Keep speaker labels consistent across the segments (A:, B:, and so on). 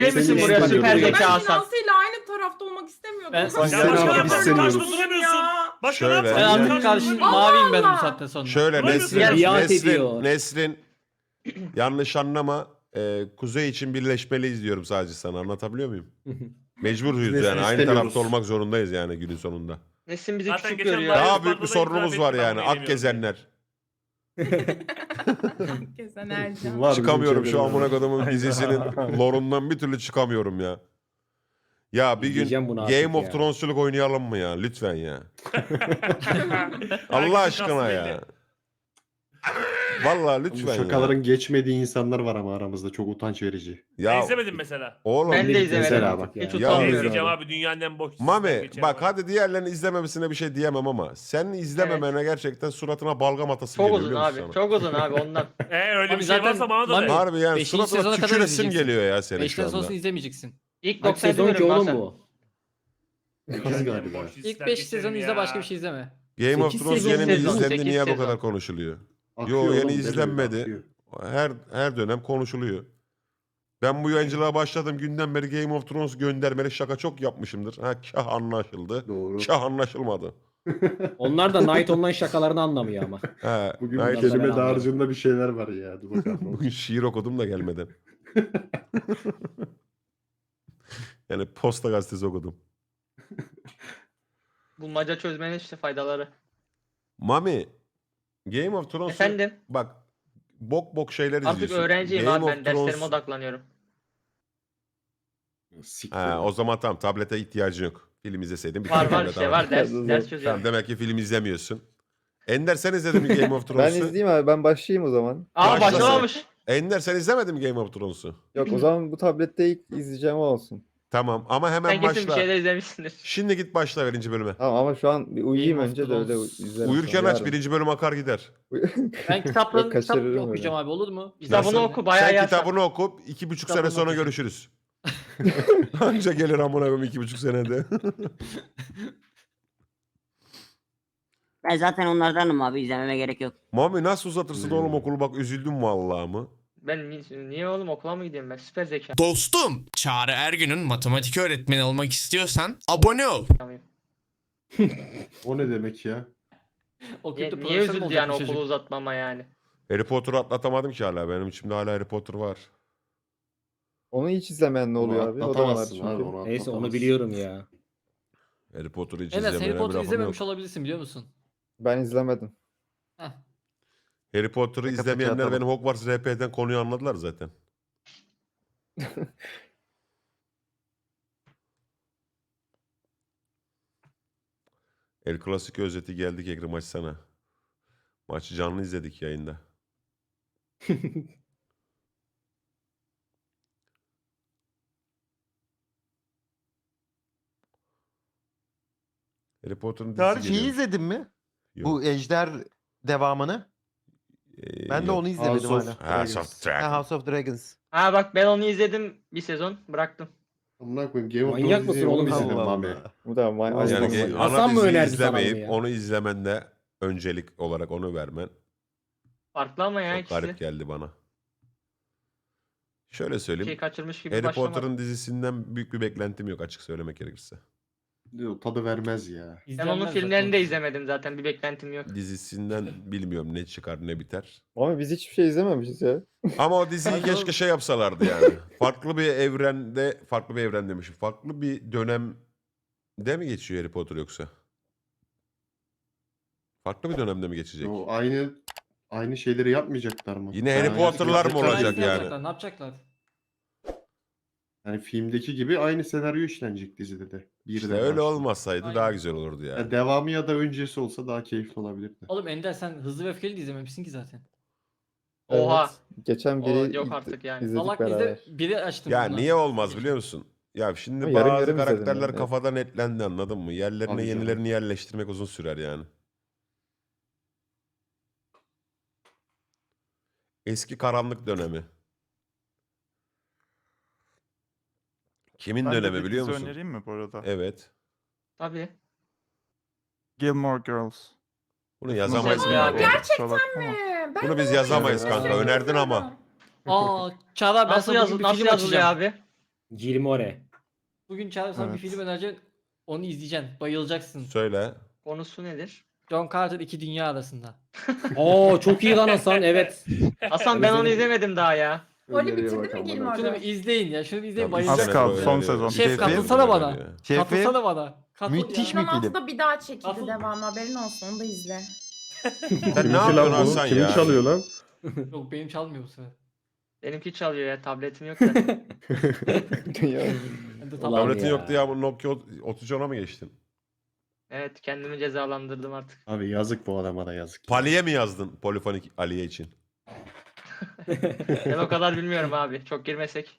A: Gelmişsin
B: Seni
A: buraya
B: istemiyorum.
A: süper
B: Ben
A: zeka
C: Ben
A: Hasan.
C: İnansı'yla aynı tarafta olmak istemiyordum.
D: Ben-
E: Ya
B: Sen
E: başka ne
B: abi
E: yapacaksın?
B: istemiyoruz.
E: Karşıda duramıyorsun.
D: Ya.
E: Başka ne
F: Şöyle.
D: Ben
E: yapacaksın?
D: artık karşı
C: Allah
D: maviyim ben bu
C: Allah.
D: saatten sonra.
F: Şöyle
E: Duramıyorsun.
F: Nesrin,
B: Biat ediyor.
F: Nesrin yanlış anlama. Kuzey için birleşmeliyiz diyorum sadece sana. Anlatabiliyor muyum? Mecburuz
B: Nesrin
F: yani. Aynı
B: istemiyoruz.
F: tarafta olmak zorundayız yani günün sonunda.
A: Nesin bizi
E: Zaten
A: küçük
E: geçen
A: görüyor.
E: Daha
F: Daha büyük bir
E: bandada
F: sorunumuz
E: itiraf
F: var
E: ettim,
F: yani.
E: ben bunu
F: Akgezenler.
C: Kesin Ercan.
B: Var
F: Çıkamıyorum
B: bizim
F: şu amına
B: çevremizde.
F: kodumun dizisinin lorundan bir türlü çıkamıyorum ya. Ya bir gün
B: Diyeceğim bunu artık
F: Game of
B: ya.
F: Thrones'culuk oynayalım mı ya? Lütfen ya.
E: Herkesin
F: Allah aşkına
E: kastı
F: ya.
E: belli.
F: Vallahi
B: Bu
F: lütfen ya.
B: şakaların geçmediği insanlar var ama aramızda çok utanç verici.
E: Ben
F: Ya
E: izlemedim mesela.
F: oğlum.
A: Ben de
B: Mesela
A: izlemedim.
B: bak ya.
A: Hiç
F: Ya.
E: Ne
A: utanmıyorum.
E: izleyeceğim abi dünyanın en boş dizisinden
F: Mami
E: geçerim
F: bak
E: abi.
F: hadi diğerlerini izlememesine bir şey diyemem ama sen izlememene gerçekten suratına balgam atası
A: Çok
F: geliyor
A: uzun
F: biliyor musun
A: abi.
F: sana?
A: Çok uzun abi ondan.
E: Öyle
D: Abi
E: bir şey
D: zaten
E: varsa bana da
D: Mami-
E: de.
F: Harbi yani
D: Beşinci
F: suratına
D: sezona kadar
F: tüküresim
D: izleyeceksin.
F: geliyor ya senin şu
D: Beşten
F: anda.
D: sonrasını izlemeyeceksin.
A: İlk
B: Kaç
A: 90
B: sezon ki
A: diyorum
B: oğlum
A: Hasan.
B: bu?
E: Dünyanın
B: Kız
E: en
B: galiba.
E: boş dizisinden
D: İlk 5
E: geçerim
D: sezonu izle
E: ya.
D: başka bir şey izleme.
F: Game of
B: 8
F: Thrones
B: sezon
F: yeni mi
A: sezon,
F: izlendi
A: 8
F: niye bu
A: sezon.
F: kadar konuşuluyor?
B: Akıyor
F: Yo
B: oğlum,
F: yeni
B: ne böyle
F: izlenmedi.
B: akıyor.
F: Her dönem konuşuluyor. Ben bu yayıncılığa başladım günden beri Game of Thrones göndermeli şaka çok yapmışımdır. Ha kah anlaşıldı.
B: Doğru.
F: Kah anlaşılmadı.
G: Onlar da Night Online şakalarını anlamıyor ama.
F: He,
B: Bugün
F: Night-
G: ben
B: kelime
G: anladım.
B: dağarcığında bir şeyler var ya. Dur bakalım.
F: Bugün şiir okudum da gelmeden. Yani Posta Gazetesi okudum.
A: Bulmaca çözmenin işte faydaları.
F: Mami, Game of Thrones'u
A: Efendim?
F: bak bok şeyler
A: Artık
F: izliyorsun.
A: öğrenciyim
F: Game
A: abi
F: of
A: ben derslerime
F: Thrones-
A: odaklanıyorum.
B: Siktir.
F: Ha, o zaman tamam tablete ihtiyacın yok. Film izleseydin bir
A: Var
F: tane
A: var
F: tablet
A: işte
F: al.
A: var ders
H: Tamam.
A: çözüyorum.
F: Tamam, demek ki film izlemiyorsun. Ender sen izledin mi Game of
H: Ben
F: Thrones'u?
H: izleyeyim abi, ben başlayayım o zaman.
A: Aa
F: Başla sen.
A: başlamamış.
F: Ender sen izlemedin mi Game of Thrones'u?
H: Yok o zaman bu tablette ilk izleyeceğim o olsun.
F: Tamam ama hemen
A: Sen kesin bir
F: başla.
A: şeyler izlemişsindir.
F: Şimdi git başla birinci bölüme.
H: Tamam ama şu an bir uyuyayım
D: Game of
H: önce de öyle
D: Thrones.
H: izlerim.
F: Uyurken
H: sonra
F: aç
H: yarın.
F: birinci bölüm akar gider.
D: Ben kitaplarını
H: Yok, kaçırırım
D: kitap
H: öyle.
D: okuyacağım abi olur mu?
A: Kitabını
D: İzlersen.
A: oku bayağı
F: Sen
A: iyi.
F: kitabını oku 2,5 sene
D: Kitabını
F: sonra
D: okuyacağım.
F: görüşürüz. Anca gelir amına koyayım 2,5 senede.
I: Ben zaten onlardanım abi, izlememe gerek yok.
F: Mami nasıl uzatırsın oğlum okulu bak üzüldüm vallahi mı?
A: Ben niye oğlum okula mı gidiyorum ben? Süper zeka.
J: Dostum, Çağrı Ergün'ün matematik öğretmeni olmak istiyorsan abone ol.
B: O ne demek ya?
D: Okuyup da
A: Niye
D: profesör mü
A: üzüldü
D: olacak
A: yani
D: bu
A: okulu
D: çocuk?
A: uzatmama yani?
F: Harry Potter'ı atlatamadım ki hala. Benim içimde hala Harry Potter var.
H: Onu hiç izlemeyen ne oluyor abi? O da var
B: Atlatamazsın
H: çünkü.
B: abi, onu
G: Neyse onu
B: atlatamazsın.
G: biliyorum ya.
F: Harry Potter'ı hiç
D: Enes Harry
F: izlemeyene bir
D: Potter
F: lafım
D: izlememiş
F: yok.
D: olabilirsin biliyor musun?
H: Ben izlemedim.
D: Heh.
F: Harry Potter'ı izlemeyenler benim Hogwarts RP'den konuyu anladılar zaten. El Clasico özeti geldik Ekrem açsana. Maçı canlı izledik yayında. Harry Potter'ın dizisi
K: Tarih şeyi
F: geliyor.
K: izledin mi?
F: Yok.
K: Bu Ejder devamını. Ben de
F: Yok.
K: onu izlemedim
B: House of
K: hala.
F: House of Dragon.
K: Ha, House of Dragons.
A: Ha bak ben onu izledim bir sezon bıraktım.
B: Amına koyayım Game of
G: Manyak
B: Thrones
G: mısın
B: izleyen
G: oğlum?
B: onu izledim
K: Allah
B: Mami.
K: Allah.
H: Bu da
B: Yani
F: Yani
B: Hasan
G: Hasan
F: ana
G: mı
F: diziyi
G: önerdi sana bunu
F: izlemeyip
G: ya?
F: onu izlemende öncelik olarak onu vermen
A: Farklı ama ya
F: çok
A: ikisi.
F: garip geldi bana. Şöyle
A: Bir
F: söyleyeyim.
A: şey kaçırmış gibi
F: Harry
A: başlamadım.
F: Potter'ın dizisinden büyük bir beklentim yok açık söylemek gerekirse.
B: Diyor, tadı vermez ya.
A: Ben
D: İzlenmez
A: onun
D: zaten.
A: filmlerini de izlemedim zaten bir beklentim yok.
F: Dizisinden bilmiyorum ne çıkar ne biter.
H: Ama biz hiçbir şey izlememişiz ya.
F: Ama o diziyi keşke şey yapsalardı yani. Farklı bir evrende, farklı bir evren demişim. Farklı bir dönemde mi geçiyor Harry Potter yoksa? Farklı bir dönemde mi geçecek?
B: O aynı şeyleri yapmayacaklar mı?
F: Yine Harry
B: Yani
F: Potter'lar mı
B: yapacaklar
F: olacak
B: değil.
F: yani?
D: yapacaklar, ne yapacaklar?
B: Yani filmdeki gibi aynı senaryo işlenecek dizide de.
F: İşte
B: Birden
F: öyle
B: başlayıp.
F: olmasaydı
D: Aynen.
F: daha güzel olurdu yani.
B: Ya devamı ya da öncesi olsa daha keyifli olabilirdi.
D: Oğlum Ender sen Hızlı ve Öfkeli de izlememişsin ki zaten.
A: Oha.
H: Evet. Geçen
A: O
H: biri
A: yok artık yani.
H: izledik
D: Salak
H: beraber.
D: izle biri açtım.
F: Ya
D: buna.
F: niye olmaz biliyor musun? Ya şimdi
H: Ama yarım
F: bazı
H: yarım izledim
F: karakterler
H: ben de.
F: kafada netlendi anladın mı? Yerlerine
B: Tabii canım.
F: yenilerini yerleştirmek uzun sürer yani. Eski karanlık dönemi. Kimin
L: Ben de
F: dönemi
L: bir
F: biliyor
L: dizi
F: musun?
L: önereyim mi bu arada?
F: Evet.
A: Tabii.
L: Gilmore Girls.
F: Bunu yazamayız.
A: Güzel
F: ki.
A: ya.
C: Gerçekten
L: Kusura bakma.
C: Ben
F: Bunu
C: de
F: biz
C: onu
F: yazamayız
C: izlemek
F: kanka. Önerdin ama.
C: istiyorum.
D: Aa Çağlar ben
A: Nasıl,
D: sana bugün bir
A: nasıl
D: film
A: yazılıyor
D: açacağım.
A: abi?
G: Gilmore.
D: Bugün Çağrı sana bir
L: Evet.
D: film önereceğim. Onu izleyeceksin. Bayılacaksın.
F: Söyle.
A: Konusu nedir?
D: John Carter iki dünya arasında.
G: Oo çok iyi lan Hasan, evet.
A: Hasan ben onu izlemedim daha ya.
C: Oli
B: Öneriye
C: bitirdin
B: bak
C: mi
B: amına
C: Gilmore
D: Şunu bir
C: Girls?
D: izleyin ya. Şunu bir izleyin.
F: Tabii,
L: Az
D: Bayılacaksın.
L: kaldı,
F: öyle
L: son
F: diyor.
L: sezon.
D: Şef
K: Şefim.
D: katılsana bana.
K: Şefim.
D: Katılsana bana. Katıl
K: Müthiş
D: ya.
K: bir film.
C: 2016'da bir daha çekildi
D: Asıl-
C: devamı, haberin olsun, onu da izle.
F: Sen ne
B: Kiminki
F: yapıyorsun
B: lan bu?
F: Hasan
B: Kimin
F: ya?
B: çalıyor lan?
D: Yok benim çalmıyor bu sefer.
A: Benimki çalıyor ya. Tabletim yok da.
H: Ya.
D: Ben de
G: Ulan
D: tamam.
F: Tabletin
G: ya.
F: yoktu ya, bu Nokia 3310'a mı geçtin?
A: Evet kendimi cezalandırdım artık.
B: Abi yazık bu adama da yazık.
F: Pali'ye mi yazdın polifonik Aliye için?
A: Ben o kadar bilmiyorum abi. Çok girmesek.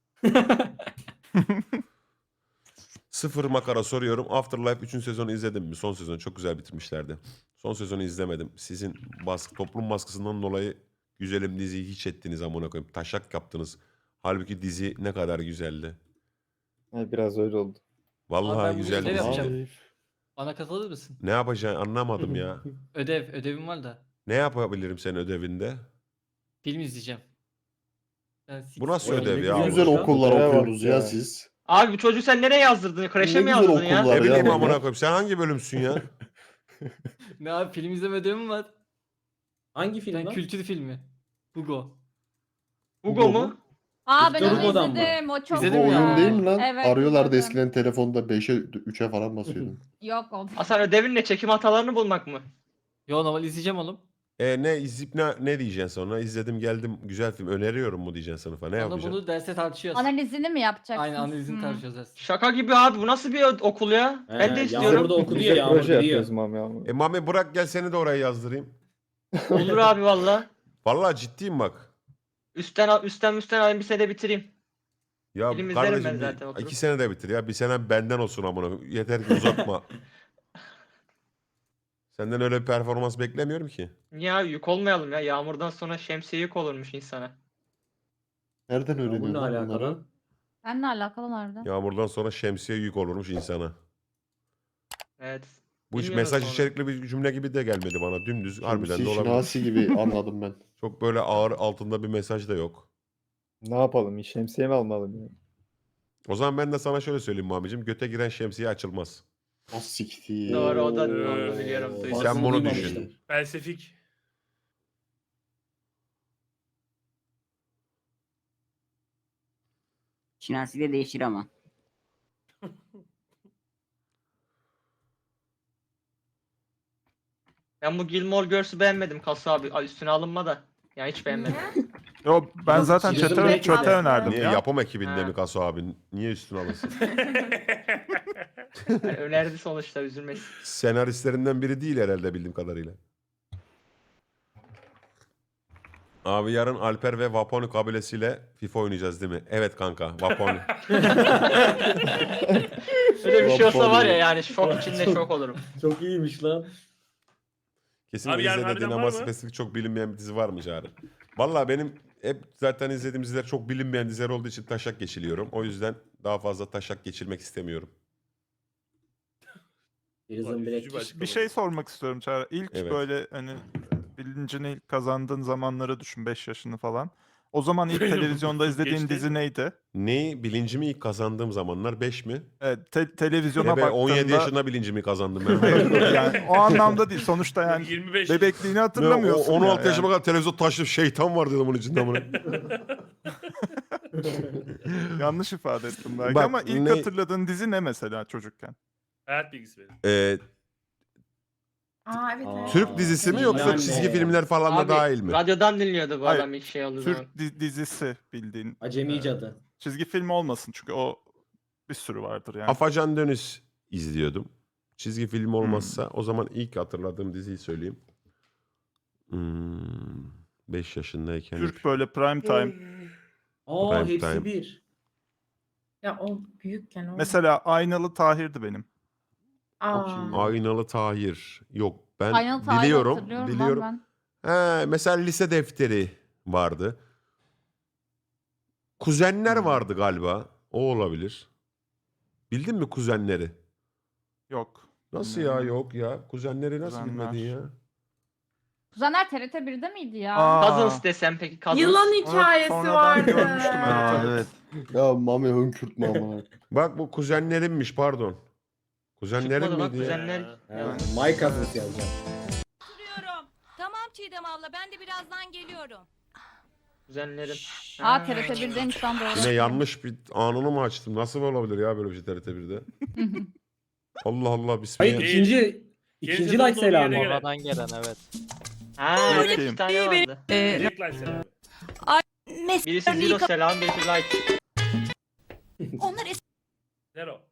F: Sıfır makara soruyorum. Afterlife 3. sezonu izledin mi? Son sezonu çok güzel bitirmişlerdi. Son sezonu izlemedim. Sizin toplum baskısından dolayı güzelim diziyi hiç ettiniz amına koyayım. Taşak yaptınız. Halbuki dizi ne kadar güzeldi.
H: Ha, biraz öyle oldu.
F: Vallahi
D: Abi ben bu
F: güzeldi.
D: işleri
F: dizi.
D: yapacağım. Bana katılır mısın?
F: Ne yapacaksın anlamadım ya.
D: Ödevim var da.
F: Ne yapabilirim senin ödevinde?
D: Film izleyeceğim.
F: Bu nasıl
G: Oğlum,
F: ödev
G: ne
F: ya?
B: Ne
G: güzel
B: güzel
G: olmuş
B: okullar
H: Oraya bak
B: okuyorsunuz ya
H: ya.
B: siz.
A: Abi bu çocuğu sen nereye yazdırdın? Kreşe
B: Ne
A: mi
B: güzel
A: yazdırdın ya?
B: okullar.
F: Ne bileyim
B: ya
F: amına
B: bunlar.
F: koyayım. Sen hangi bölümsün ya?
D: Ne abi film izleme ödevim var.
G: Hangi film
D: Ben
G: lan?
D: kültür filmi. Hugo.
A: Hugo mu?
C: Aa
G: ben onu izledim,
C: o çok
D: İzledin
B: Bu
D: mi ya?
B: oyun değil mi lan?
C: Evet,
B: Arıyorlardı
C: izledim.
B: eskiden telefonda 5'e 3'e falan basıyordun.
C: Yok o.
A: Hasan ödevin ne? Çekim hatalarını bulmak mı?
D: Yo normal izleyeceğim oğlum.
F: Ne izleyip ne diyeceksin sonra? İzledim geldim güzel film öneriyorum mu diyeceksin sınıfa? Ne
D: Sonra
F: yapacaksın?
D: bunu derste tartışıyoruz.
C: Analizini mi yapacaksın?
D: Aynen analizini tartışıyoruz derste.
A: Şaka gibi abi. Bu nasıl bir okul ya? Ben de
G: He,
A: istiyorum.
G: Yağmur da okudu ya,
H: Biz de
G: Yağmur
H: proje
G: biliyor.
H: yapıyoruz Mami abi.
F: Mami bırak gel seni de oraya yazdırayım.
A: Olur abi valla.
F: Vallahi ciddiyim bak.
A: Üstten alayım bir sene bitireyim.
F: Ya
A: Film izlerim ben
F: kardeşim
A: zaten oturup.
F: 2 sene de bitir ya. Bir sene benden olsun amına. Yeter ki uzatma. Senden öyle bir performans beklemiyorum ki.
A: Niye abi yük olmayalım ya. Yağmurdan sonra şemsiye yük olurmuş insana.
B: Nereden
G: Bu
B: öğreniyorsun
G: ne
B: lan
G: alaka
B: bunları?
G: lan?
C: Benle alakalı nerede?
F: Yağmurdan sonra şemsiye yük olurmuş insana.
A: Evet.
F: Bu hiç
A: Bilmiyorum
F: mesaj
A: sonra.
F: içerikli bir cümle gibi de gelmedi bana. Dümdüz harbiden de
B: Şemsi
F: olabilir.
B: şinasi gibi anladım ben.
F: Çok böyle ağır altında bir mesaj da yok.
H: Ne yapalım? Şemsiye mi almalım ya?
F: O zaman ben de sana şöyle söyleyeyim Mami'cim. Göte giren şemsiye açılmaz.
B: Az siktir.
A: Doğru o da onu
E: Oo.
A: biliyorum. duydum.
F: Sen
G: Bazını
F: bunu
G: duymamıştım.
F: düşün.
E: Felsefik.
I: Şinasi de değişir ama.
A: Ben bu Gilmore Girls'ü beğenmedim Kasu abi. Ay, üstüne alınma da. Ya hiç beğenmedim.
L: Yo, ben
G: Yok,
L: zaten
G: Prison
L: çete,
G: Break
L: çete
C: aslında.
L: önerdim
F: Niye
L: ya.
F: yapım ekibinde
A: Ha.
F: mi Kaso abi? Niye üstüne alınsın?
A: Yani önerdi sonuçta üzülmesin.
F: Senaristlerinden biri değil herhalde bildiğim kadarıyla. Abi yarın Alper ve Vaponi kabilesiyle FIFA oynayacağız değil mi? Evet kanka Vaponi.
A: Öyle bir şey olsa
B: Vaponi.
A: var ya yani şok içinde şok olurum.
G: Çok iyiymiş lan.
F: Kesin
E: Abi yarın
F: izlediğin
E: harbiden
F: ama
E: var mı?
F: spesifik çok bilinmeyen bir dizi var mı Çağrı? Valla benim hep zaten izlediğim diziler çok bilinmeyen diziler olduğu için taşak geçiliyorum. O yüzden daha fazla taşak geçirmek istemiyorum.
G: Prison Break.
E: Üzücü bir açıklama.
L: Bir şey sormak istiyorum Çağrı. İlk
F: Evet.
L: böyle hani bilincini ilk kazandığın zamanları düşün, 5 yaşını falan. O zaman ilk televizyonda izlediğin
E: Geçti.
L: dizi neydi?
F: Neyi? Bilincimi ilk kazandığım zamanlar 5 mi?
L: Evet, televizyona
F: Ben 17
L: baktığında
F: yaşında bilincimi kazandım ben.
L: yani o anlamda değil. Sonuçta yani
E: 25.
L: bebekliğini hatırlamıyorsun.
F: 16
L: ya
F: yaşıma
L: yani.
F: kadar televizyon taşlı şeytan var dedim onun içinde amına.
L: Yanlış ifade ettim belki
F: Bak,
L: ama ilk
F: ne-
L: hatırladığın dizi ne mesela çocukken?
E: Hayat bilgisi verin.
C: Aa evet evet.
F: Türk dizisi mi yoksa
G: Yani-
F: çizgi filmler falan da
A: Abi
F: dahil mi?
A: radyodan dinliyordu bu
L: Hayır,
A: adam ilk şey olduğu zaman.
L: Türk dizisi bildiğin.
G: Acemi Cadı.
L: Çizgi film olmasın çünkü o bir sürü vardır yani.
F: Afacan Dönüş izliyordum. Çizgi film olmazsa o zaman ilk hatırladığım diziyi söyleyeyim. 5 yaşındayken.
L: Türk böyle prime time.
G: Aa
F: Prime
G: hepsi
F: Time.
G: bir.
C: Ya o büyükken o.
L: Mesela Aynalı Tahir'di benim.
C: Aa.
F: Aynalı Tahir. Yok ben
C: Aynalı Tahir'i
F: biliyorum.
C: hatırlıyorum lan
F: Biliyorum.
C: ben.
F: He, mesela lise defteri vardı. Kuzenler vardı galiba. O olabilir. Bildin mi kuzenleri?
L: Yok.
F: Nasıl ya yok ya? Kuzenleri nasıl
L: Kuzenler.
F: bilmedin ya?
C: Kuzenler TRT 1'de miydi ya?
L: Aa,
A: Cousins desem peki Cousins.
C: Yılan
L: onu
C: hikayesi
L: sonradan
C: vardı.
L: görmüştüm, evet.
B: Ya Mami hönkürtme ama.
F: Bak bu kuzenlerimmiş pardon. Kuzenlerim
A: Çıkmadı lan
F: miydi ya?
A: kuzenler.
G: Ha, My Cousins yazacağım.
C: Tamam Çiğdem abla ben de birazdan geliyorum.
A: Kuzenlerim.
C: Aa TRT 1'deymiş lan doğru.
F: Yine yanlış bir anını mı açtım? Nasıl olabilir ya böyle bir şey TRT 1'de? Allah Allah bismillah.
G: Hayır ikinci like selamı.
E: Oradan
D: gelen evet.
A: Ha evet
L: Bakayım.
A: 2 tane vardı.
E: Direkt like selam.
A: Birisi zero selam, birisi like.
C: Onlar
E: Zero.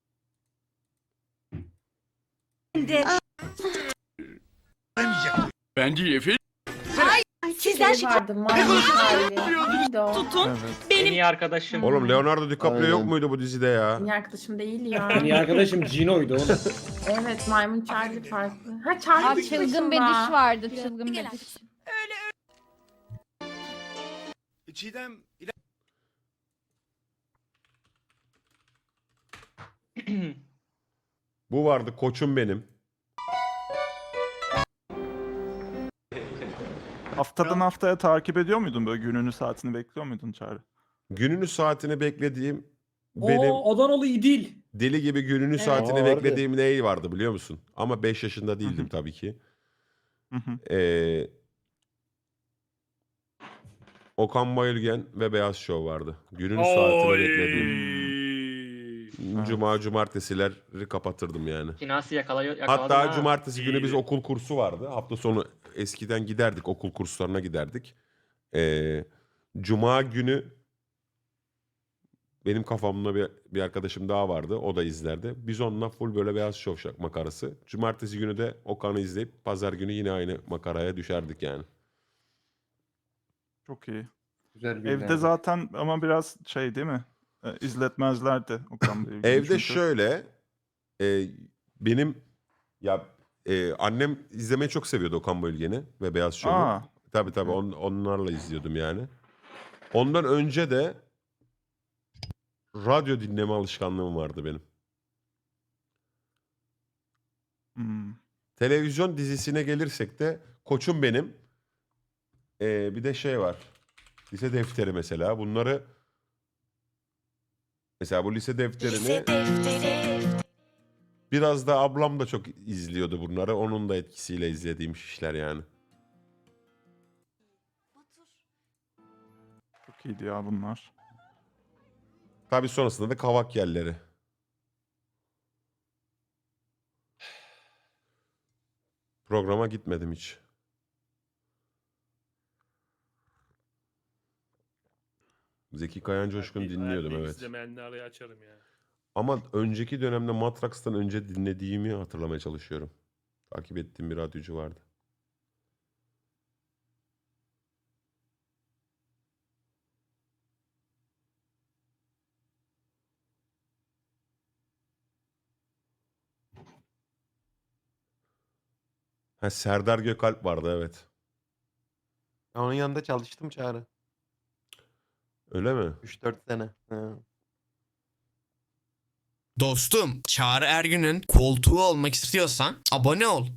C: sizden
M: vardı. Maymun hali. Neydi o?
L: Evet.
A: En iyi arkadaşım.
F: Oğlum Leonardo DiCaprio
B: Aynen.
F: yok muydu bu dizide ya?
M: Benim arkadaşım değil ya.
G: En iyi arkadaşım Gino'ydu oğlum.
M: Evet, maymun Charlie farklı. Ha Charlie
C: Aa
M: tek
C: çılgın
M: başında.
C: bediş vardı. Çılgın bediş.
K: Çiğdem
F: Bu vardı koçum benim.
L: Haftadan haftaya takip ediyor muydun, böyle gününü saatini bekliyor muydun Çağrı?
F: Gününü saatini beklediğim benim
G: Adanalı İdil.
F: deli gibi gününü saatini
H: Aa,
F: beklediğim ne vardı biliyor musun? Ama 5 yaşında değildim tabii ki.
L: Hı hı.
F: Okan Bayülgen ve Beyaz Show vardı. Günün saatini beklediğim. Cuma cumartesileri kapatırdım yani.
A: Finası yakaladım
F: Hatta
A: ha.
F: cumartesi günü biz
E: İyi.
F: okul kursu vardı. Hafta sonu eskiden giderdik, okul kurslarına giderdik. Cuma günü benim kafamda bir arkadaşım daha vardı. O da izlerdi. Biz onunla full böyle Beyaz Show makarası. Cumartesi günü de Okan'ı izleyip pazar günü yine aynı makaraya düşerdik yani.
L: Çok iyi.
B: Güzel
L: Evde zaten ama biraz şey değil mi? İzletmezlerdi Okan Bey'i.
F: Evde
L: Çünkü-
F: şöyle benim annem izlemeyi çok seviyordu Okan Bayülgen'i ve Beyaz Show'u.
L: Aa,
F: Tabii
L: Evet.
F: onlarla izliyordum yani. Ondan önce de radyo dinleme alışkanlığım vardı benim.
L: hmm.
F: Televizyon dizisine gelirsek de koçum benim. Bir de şey var. Lise defteri mesela. Bunları mesela bu lise defterini biraz da ablam da çok izliyordu bunları. Onun da etkisiyle izlediğim işler yani.
L: Çok iyiydi ya bunlar.
F: Tabii sonrasında da kavak yerleri. Programa gitmedim hiç. Zeki Kayan Coşkun dinliyordum evet.
E: İzlemeyenleri araya açarım ya.
F: Ama önceki dönemde Matrax'tan önce dinlediğimi hatırlamaya çalışıyorum. Takip ettiğim bir radyocu vardı. Ha, Serdar Gökalp vardı evet.
K: onun yanında çalıştım Çağrı.
F: Öyle mi?
K: 3-4 sene. Ha.
J: Dostum, Çağrı Ergün'ün koltuğu olmak istiyorsan abone ol.